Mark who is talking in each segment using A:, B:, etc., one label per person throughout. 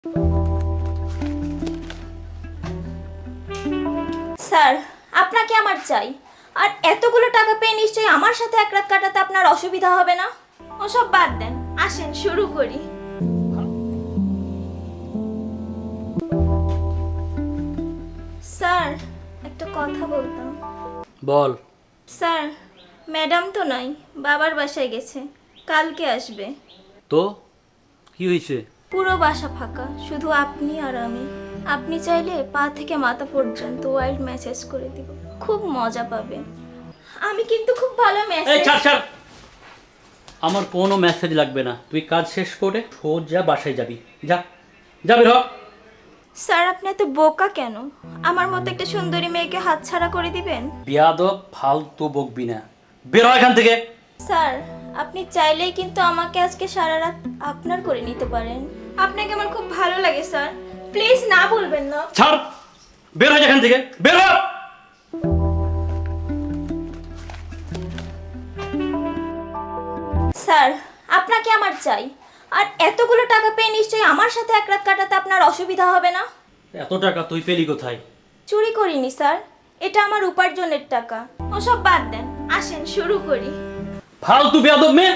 A: Sir, আপনাকে আমার চাই। আর এতগুলো টাকা পেয়ে নিশ্চয়ই আমার সাথে এক রাত কাটাতে আপনার অসুবিধা হবে না। ওসব বাদ দেন, আসেন শুরু করি। স্যার, একটা কথা বলতাম।
B: বল।
A: স্যার, ম্যাডাম তো নাই, বাবার বাসায় গেছে, কালকে আসবে।
B: তো কি হয়েছে?
A: পুরো বাসা ফাঁকা, শুধু আপনি আর আমি। আপনি চাইলে পা থেকে মাথা পর্যন্ত ওয়াইল্ড মেসেজ করে দিব, খুব মজা পাবে। আমি কিন্তু খুব ভালো
B: এই
A: মেসেজ।
B: ছাড় ছাড়, আমার কোনো মেসেজ লাগবে না। তুই কাজ শেষ করে সোজা বাসায় যাবি। যা যা, বের হ।
A: স্যার, আপনি এত বোকা কেন? আমার মতো একটা সুন্দরী মেয়েকে হাতছাড়া করে দিবেন?
B: বিয়াদব, ফালতু বকবি না, বের হ এখান থেকে।
A: স্যার, আপনি চাইলেই কিন্তু আমাকে আজকে সারা রাত আপনার করে নিতে পারেন। আপনাকে আমার খুব ভালো লাগে স্যার, প্লিজ না বলবেন না।
B: ছাড়, বের হ এখান থেকে, বের হ।
A: স্যার, আপনাকে আমার চাই। আর এতগুলো টাকা পেয়ে নিশ্চয়ই আমার সাথে এক রাত কাটাতে আপনার অসুবিধা হবে না।
B: এত টাকা তুই পেলি কোথায়?
A: চুরি করিনি স্যার, এটা আমার উপার্জনের টাকা। ওসব বাদ দেন, আসেন শুরু করি।
B: ফালতু বিয়াদব মেয়ে।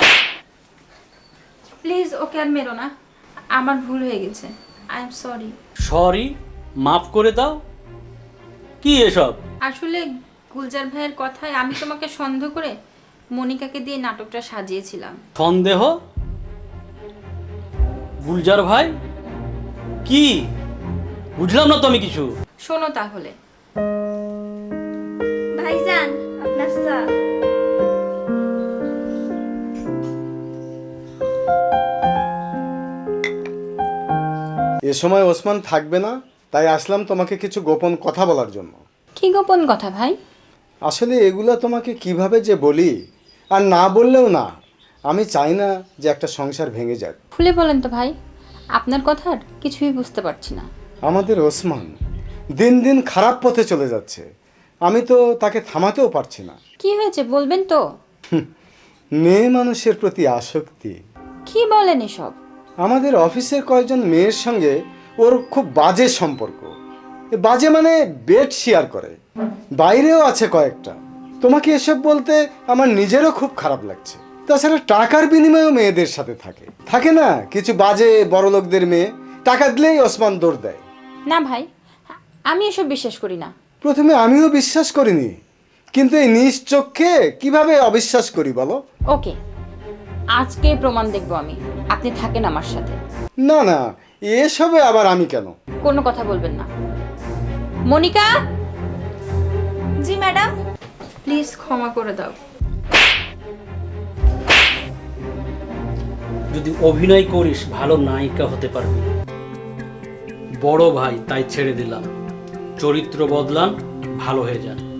C: প্লিজ ওকে আর মেরো না, আমার ভুল হয়ে গেছে, আই এম সরি।
B: সরি? মাফ করে দাও? কি এসব?
C: আসলে গুলজার ভাইয়ের কথায় আমি তোমাকে সন্দেহ করে মনিকাকে দিয়ে নাটকটা সাজিয়েছিলাম।
B: সন্দেহ? গুলজার ভাই? কি বুঝলাম না তো আমি কিছু।
C: শোনো তাহলে।
A: ভাইজান, আপনার চা।
D: এ সময় ওসমান থাকবে না, তাই আসলাম তোমাকে কিছু গোপন কথা বলার জন্য।
C: কি গোপন কথা ভাই?
D: আসলে এগুলো তোমাকে কিভাবে যে বলি, আর না বললেও না। আমি চাই না যে একটা সংসার ভেঙে যাক।
C: খুলে বলেন তো ভাই, আপনার কথার কিছুই বুঝতে পারছি না।
D: আমাদের ওসমান দিন দিন খারাপ পথে চলে যাচ্ছে, আমি তো তাকে থামাতেও পারছি না।
C: কি হয়েছে বলবেন তো?
D: মেয়ে মানুষের প্রতি আসক্তি।
C: কি বলেন এসব?
D: আমাদের অফিসের কয়েকজন মেয়ের সঙ্গে ওর খুব বাজে সম্পর্ক। এ বাজে মানে বেড শেয়ার করে, বাইরেও আছে কয়েকটা। তোমাকে এসব বলতে আমার নিজেরও খুব খারাপ লাগছে। তাছাড়া টাকার বিনিময়েও মেয়েদের সাথে থাকে থাকে না কিছু বাজে বড়লোকদের মেয়ে, টাকা দিলেই ওসমান দৌড় দেয়।
C: না ভাই, আমি এসব বিশ্বাস করি না।
D: প্রথমে আমিও বিশ্বাস করিনি, কিন্তু এই নিজ চোখে কিভাবে অবিশ্বাস করি বলো?
C: ওকে, আজকে প্রমাণ দেখবো আমি। আপনি থাকেন আমার সাথে।
D: না না, এসবে আবার আমি কেন?
C: কোনো কথা বলবেন না। মনিকা,
A: জি ম্যাডাম।
C: প্লিজ ক্ষমা করে দাও।
B: যদি অভিনয় করিস ভালো নায়িকা হতে পারবি। বড় ভাই তাই ছেড়ে দিলাম, চরিত্র বদলান, ভালো হয়ে যান।